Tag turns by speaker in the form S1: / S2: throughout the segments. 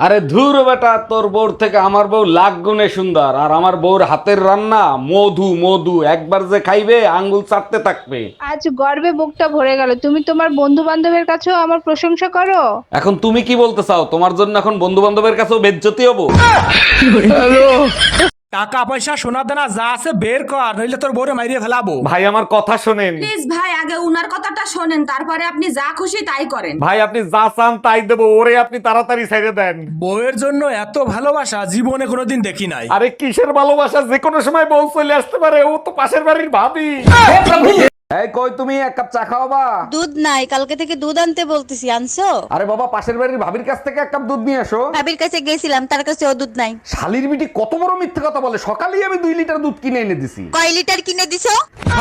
S1: আরে ধুর বেটা, তোর বউর থেকে আমার বউ লাখ গুণে সুন্দর। আর আমার বউর হাতের রান্না মধু মধু, একবার যে খাইবে আঙ্গুল চাটতে থাকবে।
S2: আজ গর্বে বুকটা ভরে গেল। তুমি তোমার বন্ধু বান্ধবের কাছেও আমার প্রশংসা করো।
S1: এখন তুমি কি বলতে চাও? তোমার জন্য এখন বন্ধু বান্ধবের কাছেও বেজ্জতি হবো?
S3: টাকা পয়সা সোনা দানা যা আছে বের কর, নইলে তোর বউরে মাইরিয়ে ফেলাবো।
S1: ভাই আমার কথা শোনেন।
S4: প্লিজ ভাই, আগে উনার কথাটা শোনেন, তারপরে আপনি যা খুশি তাই করেন।
S1: ভাই আপনি যা চান তাই দেবো, ওরে আপনি তাড়াতাড়ি ছেড়ে দেন।
S3: বউয়ের জন্য এত ভালোবাসা জীবনে কোনোদিন দেখি নাই।
S1: আরে কিসের ভালোবাসা, যে কোনো সময় বউ চলে আসতে পারে, ও তো পাশের বাড়ির ভাবি। এই কই তুমি, এক কাপ চা খাওয়াবা?
S5: দুধ নাই, কালকে থেকে দুধ আনতে বলতেছি, আনছো?
S1: আরে বাবা, পাশের বাড়ির ভাবির কাছ থেকে এক কাপ দুধ নিয়ে এসো।
S5: ভাবির কাছে গেছিলাম, তার কাছে ও দুধ নাই।
S1: শালির বিটি কত বড় মিথ্যে কথা বলে, সকালেই আমি 2 লিটার দুধ কিনে এনে দিছি।
S5: কয় লিটার কিনে দিছো?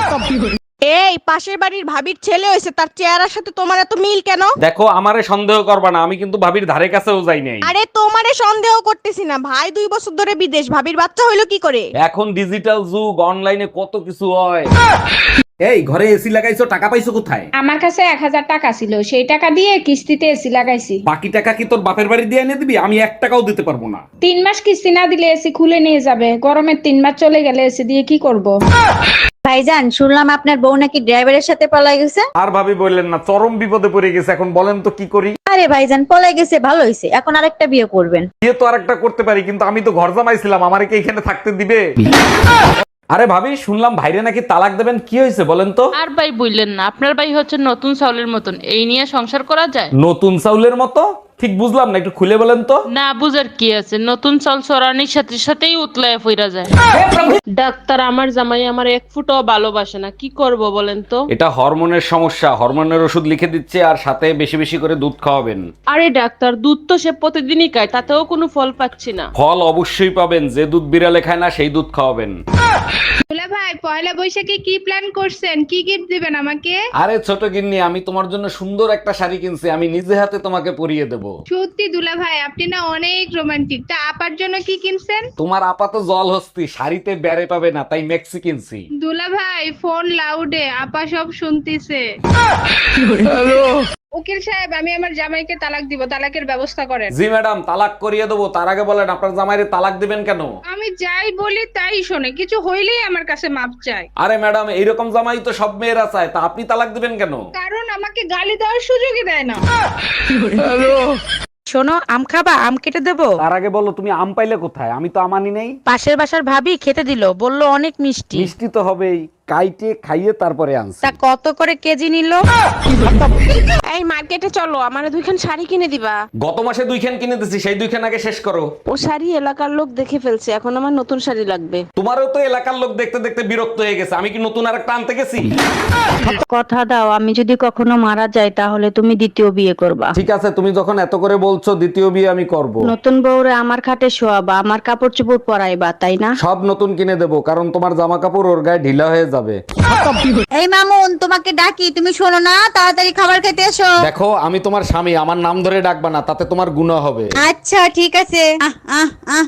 S6: এই পাশের বাড়ির ভাবির ছেলে হয়েছে, তার চেহারার সাথে তোমার এত মিল কেন?
S1: দেখো, আমারে সন্দেহ করবা না, আমি কিন্তু ভাবির ধারে কাছেও যাই নাই।
S6: আরে তোমারে সন্দেহ করতেছি না, ভাই 2 বছর ধরে বিদেশ, ভাবির বাচ্চা হইলো কি করে?
S1: এখন ডিজিটাল যুগ, অনলাইনে কত কিছু হয়। এই ঘরে এসি লাগাইছো, টাকা পাইছো কোথায়?
S2: আমার কাছে 1000 টাকা ছিল, সেই টাকা দিয়ে কিস্তিতে এসি লাগাইছি।
S1: বাকি টাকা কি তোর বাপের বাড়ি দিয়ে এনে দিবি? আমি 1 টাকাও দিতে পারবো না।
S2: 3 মাস কিস্তি না দিলে এসি খুলে নিয়ে যাবে। গরমের 3 মাস চলে গেলে এসি দিয়ে কি করব?
S5: ভাইজান, শুনলাম আপনার বউ নাকি ড্রাইভারের সাথে পলাই গেছে।
S1: আর ভাবি বললেন না, চরম বিপদে পড়ে গেছে। এখন বলেন তো কি করি?
S5: আরে ভাইজান, পলাই গেছে ভালো হয়েছে, এখন আরেকটা বিয়ে করবেন।
S1: বিয়ে তো আরেকটা করতে পারি, কিন্তু আমি তো ঘর জামাইছিলাম, আমারে কি এখানে থাকতে দিবে? আরে ভাবি, শুনলাম ভাইরে নাকি তালাক দেবেন, কি হয়েছে বলেন তো?
S7: আর ভাই বললেন না, আপনার ভাই হচ্ছে নতুন চাউলের মতন, এই নিয়ে সংসার করা যায়?
S1: নতুন চাউলের মতো? ঠিক বুঝলাম না, একটু খুলে বলেন তো।
S7: না বুঝার কি আছে, নতুন চাল চড়ানির সাথে সাথেই উতলায় ফিরা যায়। ডাক্তার, আমার জামাই আমার 1 ফুটও ভালোবাসে না, কি করব বলেন তো?
S1: এটা হরমোনের সমস্যা, হরমোনের ওষুধ লিখে দিচ্ছে, আর সাথে বেশি বেশি করে দুধ খাওয়াবেন।
S7: আরে ডাক্তার, দুধ তো সে প্রতিদিনই খায়, তাতেও কোনো ফল পাচ্ছি না।
S1: ফল অবশ্যই পাবেন, যে দুধ বিড়ালে খায় না সেই দুধ খাওয়াবেন।
S2: দুলা ভাই, পয়লা বৈশাখে কি প্ল্যান করছেন? কি গিফট দিবেন আমাকে?
S1: আরে ছোট গিন্নি, আমি তোমার জন্য সুন্দর একটা শাড়ি কিনছি, আমি নিজে হাতে তোমাকে পরিয়ে দেব।
S2: সত্যি দুলা ভাই, আপনি না অনেক রোমান্টিক। তা আপার জন্য কি কিনছেন?
S1: তোমার আপাত জল হস্তি, শাড়িতে বেড়ে পাবে না, তাই মেক্সি কিনছি।
S2: দুলা ভাই, ফোন লাউডে, আপা সব শুনতিছে। উকিল সাহেব, আমি আমার জামাইকে তালাক দিব, তালাকের ব্যবস্থা করেন।
S1: জি ম্যাডাম, তালাক করিয়ে দেবো। তার আগে বলেন, আপনার জামাইরে তালাক দিবেন কেন?
S2: আমি যাই বলি তাই শোনে, কিছু হইলেই আমার কাছে মাপ চায়।
S1: আরে ম্যাডাম, এইরকম জামাই তো সব মেয়েরা চায়, তা আপনি তালাক দিবেন কেন?
S2: কারণ আমাকে গালি দেওয়ার সুযোগই দেয় না।
S6: শোনো, আম খাবা? আম কেটে দেবো?
S1: তার আগে বলো, তুমি আম পাইলে কোথায়? আমি তো আমানি নেই।
S6: পাশের বাসার ভাবি খেতে দিল, বললো অনেক মিষ্টি।
S1: মিষ্টি তো হবেই, কাইটে খাইয়ে তারপরে আনছি।
S6: তা কত করে কেজি নিল? এই মার্কেটে চলো, আমারে 2খান শাড়ি কিনে দিবা।
S1: গত মাসে 2খান কিনে দিছি, সেই 2খান আগে শেষ করো।
S6: ও শাড়ি এলাকার লোক দেখে ফেলছে, এখন আমার নতুন শাড়ি লাগবে।
S1: তোমারও তো এলাকার লোক দেখতে দেখতে বিরক্ত হয়ে গেছে, আমি কি নতুন আর একটা আনতে গেছি?
S5: কথা দাও, আমি যদি কখনো মারা যাই তাহলে তুমি দ্বিতীয় বিয়ে করবা।
S1: ঠিক আছে, তুমি যখন এত করে বলছো, দ্বিতীয় বিয়ে আমি করব।
S5: নতুন বউরে আমার খাটে শোয়াবা, আমার কাপড় চোপড় পরাইবা, তাই না?
S1: সব নতুন কিনে দেবো, কারণ তোমার জামা কাপড় ওর গায়ে ঢিলা হয়ে যাবে।
S5: এই মামুন, তোমাকে ডাকি, তুমি শোনো না, তাড়াতাড়ি খাবার খেতে এসো।
S1: দেখো, আমি তোমার স্বামী, আমার নাম ধরে ডাকবা না, তাতে তোমার গুনাহ হবে।
S5: আচ্ছা ঠিক আছে। আহ আহ আহ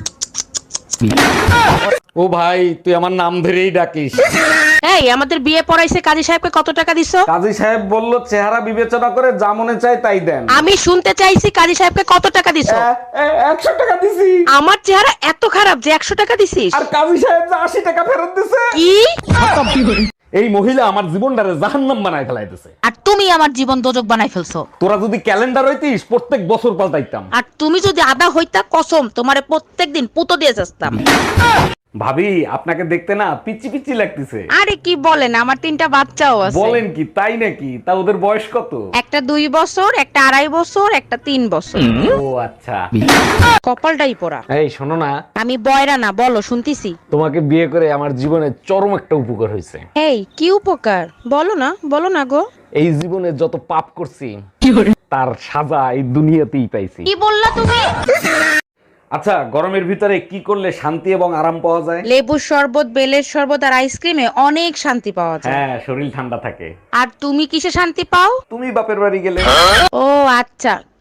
S1: ও ভাই, তুই আমার নাম ধরেই ডাকিস।
S6: এই আমাদের বিয়ে পড়াইছে, কাজী সাহেবকে কত টাকা দিছো?
S1: কাজী সাহেব বলল, চেহারা বিবেচনা করে যা মনে চায় তাই দেন।
S6: আমি শুনতে চাইছি কাজী সাহেবকে কত টাকা দিছো?
S1: 100 টাকা দিছি।
S6: আমার চেহারা এত খারাপ যে 100 টাকা দিছিস?
S1: আর কাজী সাহেব যে 80 টাকা ফেরত দিছে।
S6: কি?
S1: এই মহিলা আমার জীবনটারে জাহান্নাম বানায় ফেলাইতেছে।
S5: আর তুমি আমার জীবন দোজক বানাই ফেলছো।
S1: তোরা যদি ক্যালেন্ডার হইতিস, প্রত্যেক বছর পাল্টাইতাম।
S5: আর তুমি যদি আদা হইতা, কসম তোমারে প্রত্যেকদিন পুতো দিয়ে যাস্তাম।
S1: ভাবি, আপনাকে দেখতে না পিচি পিচি লাগতেছে।
S6: আরে কি বলেন, আমার 3টা বাচ্চাও আছে।
S1: বলেন কি, তাই নাকি? তা ওদের বয়স কত?
S6: একটা 2 বছর, একটা 2.5 বছর, একটা 3 বছর।
S1: ও আচ্ছা।
S6: কপালটাই পোড়া।
S1: এই শোনো না,
S6: আমি বয়রা না, বলো শুনতিছি।
S1: তোমাকে বিয়ে করে আমার জীবনে চরম একটা উপকার হয়েছে।
S6: এই কি উপকার? বলো না, বলো না গো।
S1: এই জীবনে যত পাপ করছি তার সাজা এই দুনিয়াতেই পাইছি।
S6: কি বললা তুমি?
S1: আচ্ছা, গরমের ভিতরে কি করলে শান্তি এবং আরাম পাওয়া যায়?
S6: লেবুর শরবত, বেলের শরবত আর আইসক্রিমে অনেক শান্তি পাওয়া যায়।
S1: হ্যাঁ, শরীর ঠান্ডা থাকে।
S6: আর তুমি কিসে শান্তি পাও?
S1: তুমি বাপের বাড়ি গেলে।
S6: ও আচ্ছা,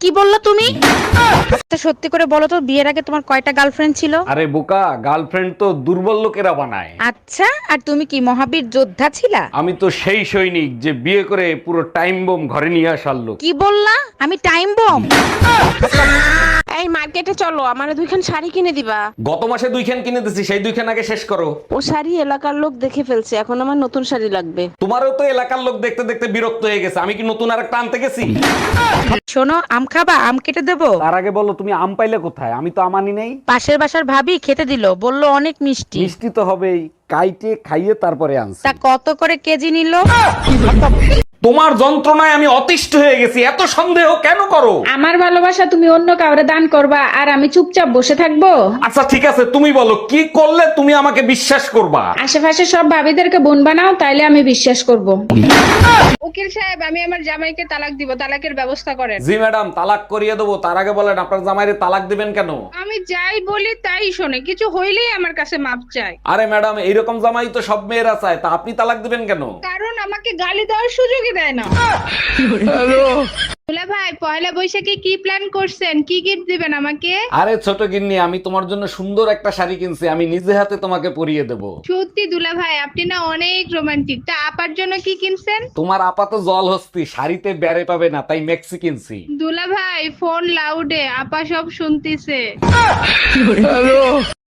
S8: কি বললা তুমি? আচ্ছা সত্যি করে বলো তো, বিয়ের আগে তোমার কয়টা গার্লফ্রেন্ড ছিল?
S1: আরে বোকা, গার্লফ্রেন্ড তো দুর্বল লোকেরা বানায়।
S8: আচ্ছা, আর তুমি কি মহাবীর যোদ্ধা ছিলা?
S1: আমি তো সেই সৈনিক যে বিয়ে করে পুরো টাইম বোম ঘরে নিয়ে আসার লোক।
S8: কি বললা? আমি টাইম বম?
S6: এই মার্কেটে চলো, আমার দুইখান শাড়ি কিনে দিবা।
S1: গত মাসে 2খান কিনে দিছি, সেই 2খান আগে শেষ করো।
S6: ও শাড়ি এলাকার লোক দেখে ফেলছে, এখন আমার নতুন শাড়ি লাগবে।
S1: তোমারও তো এলাকার লোক দেখতে দেখতে বিরক্ত হয়ে গেছে, আমি কি নতুন আরেকটা আনতে গেছি?
S8: শোনো, আম খাবা? আম কেটে দেবো?
S1: তার আগে বলো তুমি আম পাইলে কোথায়? আমি তো আম আনি নাই।
S8: পাশের বাসার ভাবি খেতে দিল, বললো অনেক মিষ্টি।
S1: মিষ্টি তো হবেই, কাইটে খাইয়ে তারপরে আনছি।
S8: তা কত করে কেজি নিল?
S1: তোমার যন্ত্রণায় আমি অতিষ্ঠ হয়ে গেছি, এত সন্দেহ কেন করো?
S9: আমার ভালোবাসা তুমি অন্য কাউরে দান করবা আর আমি চুপচাপ বসে থাকবো?
S1: আচ্ছা ঠিক আছে, তুমি বলো কি করলে তুমি আমাকে বিশ্বাস করবা?
S9: আশেপাশে সব ভাবিদেরকে বোন বানাও, তাইলে আমি বিশ্বাস করব।
S2: উকিল সাহেব, আমি আমার জামাইকে তালাক দিব, তালাকের ব্যবস্থা করেন।
S1: জি ম্যাডাম, তালাক করিয়ে দেবো। তার আগে বলেন আপনার জামাইরে তালাক দিবেন কেন?
S2: আমি যাই বলি তাই শোনে, কিছু হইলেই আমার কাছে মাপ চায়।
S1: আরে ম্যাডাম, এইরকম জামাই তো সব মেয়েরা চায়, তা আপনি তালাক দিবেন কেন?
S2: কারণ আমাকে গালি দেওয়ার সুযোগই দেয় না। দুলা ভাই, পয়লা বৈশাখে কি প্ল্যান করছেন? কি গিফট দিবেন আমাকে?
S1: আরে ছোট গিন্নি, আমি তোমার জন্য সুন্দর একটা শাড়ি কিনছি, আমি নিজে হাতে তোমাকে পরিয়ে দেব।
S2: সত্যি দুলা ভাই, আপনি না অনেক রোমান্টিক। তা আপার জন্য কি কিনছেন?
S1: তোমার আপাত জল হস্তি, শাড়িতে বেড়ে পাবে না, তাই মেক্সি কিনছি।
S2: দুলা ভাই, ফোন লাউডে, আপা সব শুনতিছে।